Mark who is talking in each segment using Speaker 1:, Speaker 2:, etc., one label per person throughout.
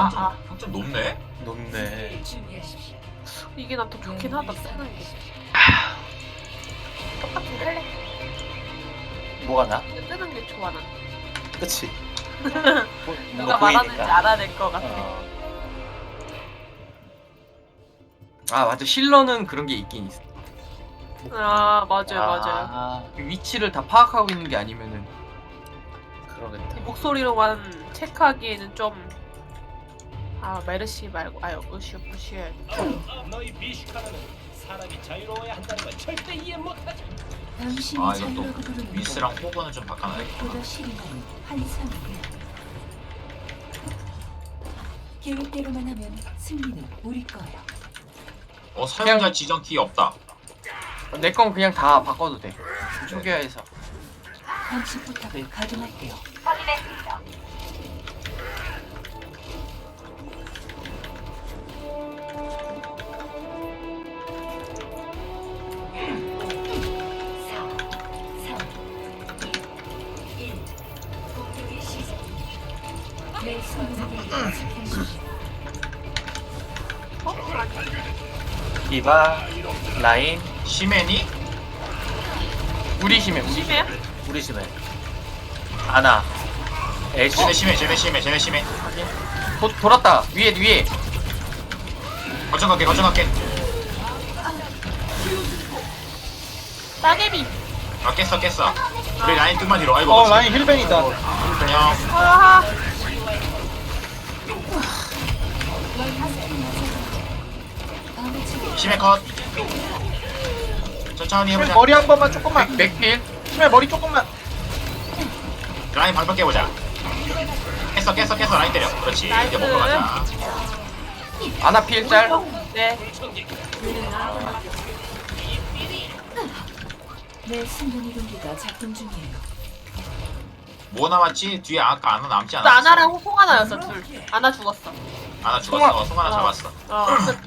Speaker 1: 평점 높네?
Speaker 2: 높네.
Speaker 3: 이게 난 더 좋긴 하다. 쓰는 게. 똑같은 할래.
Speaker 2: 뭐가 나?
Speaker 3: 뜨는 게 좋아 난.
Speaker 2: 그치.
Speaker 3: 누가 말하는지 알아야 될 것 같아.
Speaker 4: 아 맞아, 힐러는 그런 게 있긴 있어.
Speaker 3: 아 맞아요 맞아요.
Speaker 2: 아,
Speaker 4: 위치를 다 파악하고 있는 게 아니면은.
Speaker 2: 그러겠다.
Speaker 3: 목소리로만 체크하기에는 좀. 아 메르시 말고 아유 으슈 부슈.
Speaker 5: 너희 비슈카는 사람이 자유로워야 한다는 걸 절대 이해 못하지.
Speaker 1: 아 이것도 위스랑 호그는 좀 바꿔놔야겠다.
Speaker 6: 계획대로만 하면 승리는 우리 거예요.
Speaker 1: 사용자 지정 키 없다.
Speaker 4: 내 건 그냥 다 바꿔도 돼. 초기화해서.
Speaker 6: 감시 포탑을 가동할게요.
Speaker 2: 디바, 라인,
Speaker 1: 시메니?
Speaker 4: 우리 심해.
Speaker 3: 심해요?
Speaker 2: 우리 집에 아나, 애쉬.
Speaker 1: 쟤네 심해.
Speaker 4: 돌았다. 위에.
Speaker 1: 거점 갈게.
Speaker 3: 따개비.
Speaker 1: 아 깼어. 우리 라인 좀만 뒤로. 아이고.
Speaker 7: 라인 힐벤이다.
Speaker 1: 그냥
Speaker 3: 아
Speaker 1: 심해 컷. 천천히 해보자.
Speaker 7: 머리 한 번만 조금만.
Speaker 4: 맥필.
Speaker 7: 심해 머리 조금만.
Speaker 1: 라인 방벽 깨보자. 깼어. 라인 때려. 그렇지. 이제 먹으러 가자.
Speaker 4: 아나필 짤.
Speaker 3: 네.
Speaker 6: 내 순간이동기가 작동 중이에요.
Speaker 1: 뭐 남았지? 뒤에 아까 아나 남지
Speaker 3: 나
Speaker 1: 않았어?
Speaker 3: 아나랑 송하나였어 둘. 아나 죽었어.
Speaker 1: 아나 죽었어. 송 하나 잡았어.
Speaker 3: 끝.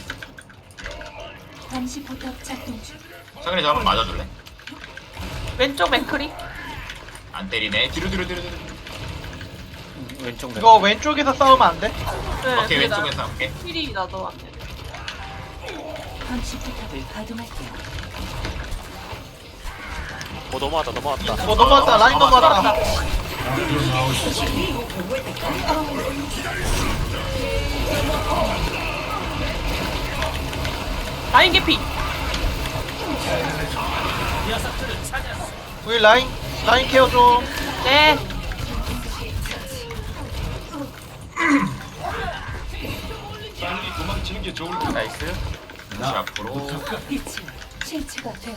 Speaker 6: 감시 포탑 작동 중.
Speaker 1: 성현이 저 한번 맞아줄래?
Speaker 3: 왼쪽 맥크리.
Speaker 1: 안 때리네. 뒤로.
Speaker 2: 왼쪽 면.
Speaker 7: 이거 왼쪽에서 싸우면 안 돼?
Speaker 3: 네,
Speaker 1: 오케이 왼쪽에서 오케이.
Speaker 3: 힐이 나도 안 돼.
Speaker 6: 감시 포탑을 가동할게요.
Speaker 5: 넘어왔다.
Speaker 7: 넘어왔다. 라인 넘어왔다.
Speaker 3: 라인 개피.
Speaker 7: 우리 라인 케어 좀.
Speaker 3: 네.
Speaker 5: 도망치는 게 좋을
Speaker 4: 나이스.
Speaker 1: 다시 앞으로.
Speaker 6: 빛이 실체가 되어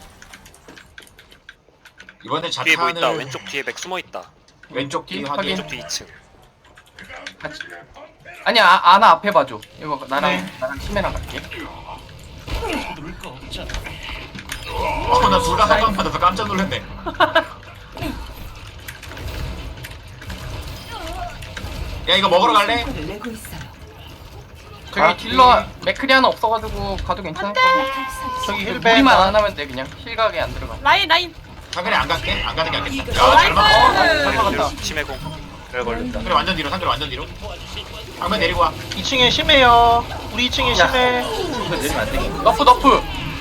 Speaker 1: 이번에
Speaker 8: 뒤에 뭐 있다.
Speaker 1: 자탄을
Speaker 8: 왼쪽 뒤에 맥 숨어 있다.
Speaker 1: 왼쪽 뒤 확인.
Speaker 8: 왼쪽 뒤 2층.
Speaker 4: 같이. 아니야, 아나 앞에 봐줘. 이거 나랑
Speaker 7: 네.
Speaker 4: 심해랑 갈게.
Speaker 1: 나 둘 다 한방 받아서 깜짝 놀랐네. 야 이거 먹으러 갈래?
Speaker 6: 효과를 내고 있어요.
Speaker 4: 저기 딜러 맥크리 하나 없어가지고 가도 괜찮을 거.
Speaker 7: 저기 힐벤.
Speaker 4: 무리만 안 하면 돼 그냥. 힐각에 안 들어가.
Speaker 3: 라인.
Speaker 1: 상근이 안 갈게? 안 가는 게 낫겠다. 야잘
Speaker 3: 나이스.
Speaker 1: 막어.
Speaker 7: 잘 막았다.
Speaker 8: 치매공. 별 걸린다.
Speaker 1: 상근이 완전 뒤로. 방금 내리고 와.
Speaker 7: 2층에 심해요. 우리 2층에 심해.
Speaker 2: 이거 내리면 안 되겠네.
Speaker 4: 너프.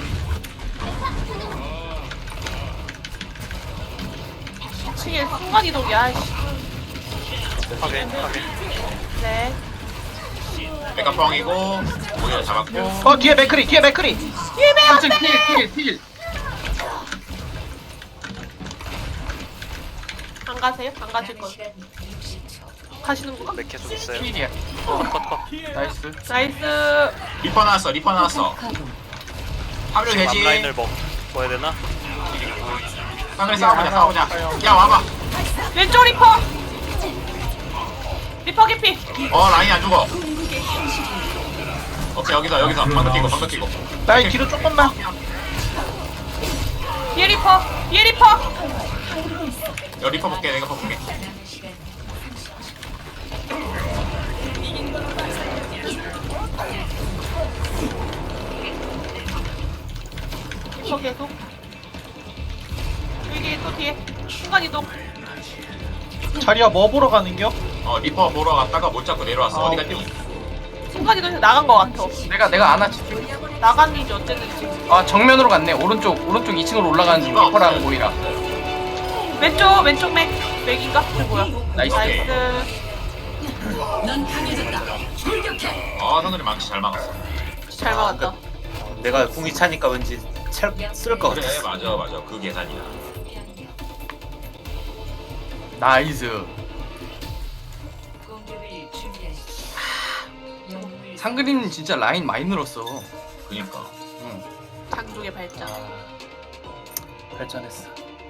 Speaker 3: 층에 순간 이동이야.
Speaker 8: 확인.
Speaker 3: 네.
Speaker 1: 메가펑이고 모기를 잡았고.
Speaker 7: 뒤에 맥크리.
Speaker 4: 3층 필.
Speaker 3: 안 가세요? 안 가실 거예요? 가시는구나?
Speaker 8: 맥 계속 있어요.
Speaker 4: 필이야.
Speaker 8: 컷.
Speaker 4: 나이스.
Speaker 3: 나이스.
Speaker 1: 리퍼 나왔어.
Speaker 6: 가동.
Speaker 1: 합류
Speaker 8: 지금
Speaker 1: 되지.
Speaker 8: 앞라인을 먹어야 되나?
Speaker 1: 상근이 싸워보자. 야 와봐.
Speaker 3: 왼쪽 리퍼. 리퍼 개피.
Speaker 1: 라인이 안 죽어. 오케이 여기서 방금 끼고.
Speaker 7: 라인 뒤로 조금만.
Speaker 3: 뒤에 리퍼.
Speaker 1: 여 리퍼 볼게. 내가 볼게.
Speaker 3: 리퍼 계속. 여기 또 뒤에 순간 이동.
Speaker 7: 자리야 뭐 보러 가는겨?
Speaker 1: 리퍼 보러 갔다가 못 잡고 내려왔어. 어디 갔니?
Speaker 3: 순간 이동해서 나간 거 같아.
Speaker 4: 내가 아나 칠게.
Speaker 3: 나갔는지 어쨌는지.
Speaker 4: 아 정면으로 갔네. 오른쪽 2층으로 올라가는 중. 리퍼랑 모이라.
Speaker 3: 왼쪽 맥인가? 뭐야?
Speaker 4: 나이스.
Speaker 6: 넌 강해졌다. 출격해.
Speaker 1: 선우리 망치 잘 막았어.
Speaker 3: 잘 막았다.
Speaker 2: 내가 궁이 차니까 왠지 쓸것
Speaker 1: 그래
Speaker 2: 같았어.
Speaker 1: 맞아 그 계산이야.
Speaker 4: 나이스.
Speaker 6: 공격을 준비하십시오.
Speaker 4: 상그림 진짜 라인 많이 늘었어.
Speaker 1: 그니까.
Speaker 4: 응.
Speaker 3: 장족의 발전.
Speaker 2: 발전했어.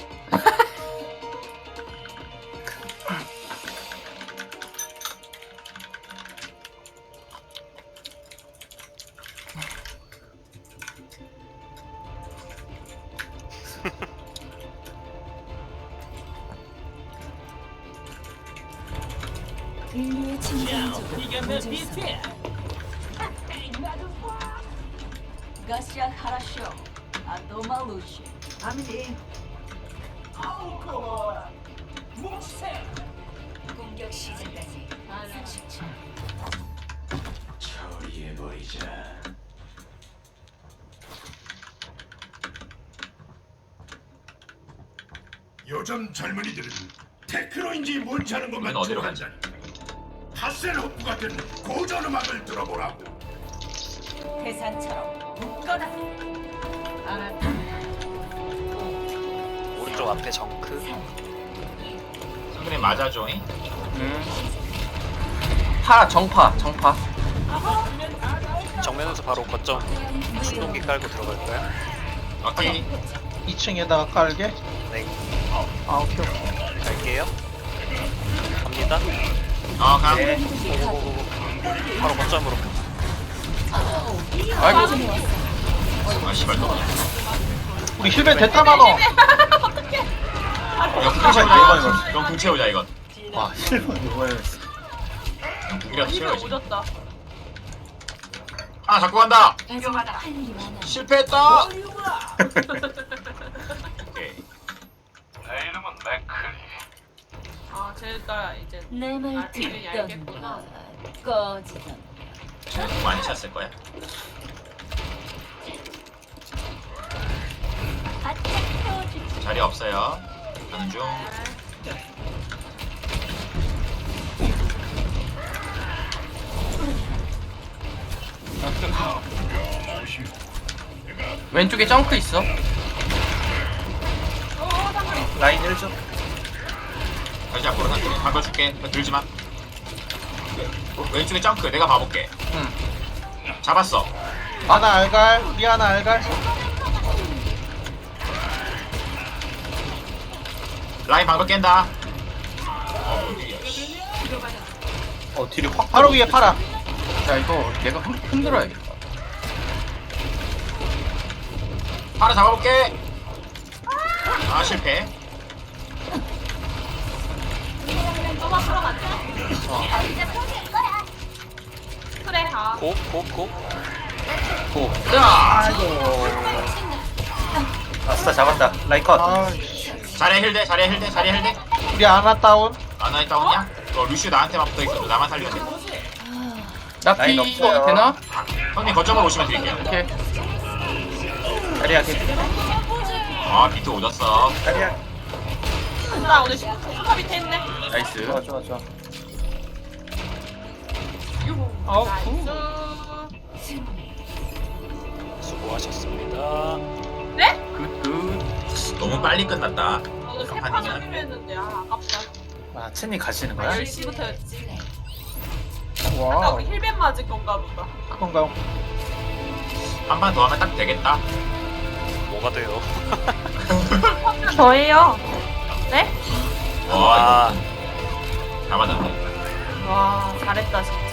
Speaker 6: 인류의 침공적으로
Speaker 5: 이게 내 비트야.
Speaker 6: 가시아 하라쇼. 아도말루시. 아미리. 공격 시작까지 30초.
Speaker 9: 요즘 젊은이들은 테크노인지 뭔지 아는 것만
Speaker 1: 우린 어디로 가지?
Speaker 9: 좋아한다니. 하셀호프 같은 고전 음악을 들어보라고.
Speaker 6: 대상처럼 묶어라. 알았다.
Speaker 8: 오른쪽 앞에 정크.
Speaker 1: 상근이 맞아줘잉.
Speaker 4: 정파.
Speaker 8: 정면에서 바로 거점 충동기 깔고 들어갈까요?
Speaker 1: 오케이.
Speaker 7: 2층에다가 깔게.
Speaker 8: 네.
Speaker 7: 오케이.
Speaker 8: 갈게요. 갑니다.
Speaker 1: 가.
Speaker 2: 네.
Speaker 8: 고고고고. 바로 거점으로.
Speaker 4: 아이고.
Speaker 1: 씨발 또.
Speaker 7: 우리 힐벤 됐다 막어.
Speaker 1: 이거 궁 채우자 이건. 이건 궁 채우자 이건.
Speaker 2: 와 실버 이거였어.
Speaker 1: 이건 궁이라도
Speaker 3: 이거
Speaker 1: 채워야지.
Speaker 3: 오졌다.
Speaker 1: 하나 잡고 간다.
Speaker 6: 아직 할 일이 많아.
Speaker 1: 실패했다. 오케이.
Speaker 3: 쟤가 이제
Speaker 6: 내 말
Speaker 3: 아직은 알겠구나.
Speaker 6: 듣던 꺼지던.
Speaker 1: 쟤는 궁 많이 찼을 거야.
Speaker 6: 바짝 태워주지.
Speaker 1: 자리 없어요. 가는 중.
Speaker 4: 왼쪽에 점프 있어.
Speaker 2: 라인 1점.
Speaker 1: 다시 앞으로 상근이 바꿔줄게. 들지 마. 왼쪽에 점크. 내가 봐볼게.
Speaker 4: 응.
Speaker 1: 잡았어.
Speaker 7: 하나 알갈. 우리 하나 알갈.
Speaker 1: 라인 방금 깬다.
Speaker 2: 뒤로 확.
Speaker 7: 바로 위에 팔아.
Speaker 4: 야 이거 내가 흔들어야겠다.
Speaker 1: 하나 잡아볼게. 실패.
Speaker 3: 그래.
Speaker 8: 고.
Speaker 4: 고.
Speaker 1: 자.
Speaker 2: 아스타 잡았다. 라인 컷.
Speaker 1: 자리에 힐대.
Speaker 7: 우리 하나 다운.
Speaker 1: 아나이 다운이야? 루시오 나한테만 붙어있어. 나만 살리면 돼.
Speaker 2: 라인
Speaker 4: 나피
Speaker 2: 없어요.
Speaker 4: 되나?
Speaker 1: 형님 거점으로 오시면 드릴게요.
Speaker 4: 오케이.
Speaker 2: 자리야 개피.
Speaker 1: 비트 오졌어.
Speaker 2: 자리야.
Speaker 3: 나 오늘 슈퍼 밑에 있네.
Speaker 4: 나이스.
Speaker 2: 좋아.
Speaker 3: 유후.
Speaker 4: 아우,
Speaker 3: 나이스.
Speaker 8: 수고하셨습니다.
Speaker 3: 네?
Speaker 4: 굿.
Speaker 1: 너무 빨리 끝났다.
Speaker 3: 오늘 세판 소리로 했는데 아깝다.
Speaker 2: 아 첸이 가시는 거야?
Speaker 3: 10시부터 했지. 아까
Speaker 4: 와우.
Speaker 3: 우리 힐벤 맞을 건가 보다.
Speaker 7: 그건가요?
Speaker 1: 한 판 더 하면 딱 되겠다.
Speaker 8: 뭐가 돼요?
Speaker 3: 저예요. 네?
Speaker 1: 와,
Speaker 8: 아.
Speaker 1: 이거 다 맞았네.
Speaker 3: 와 잘했다 진짜.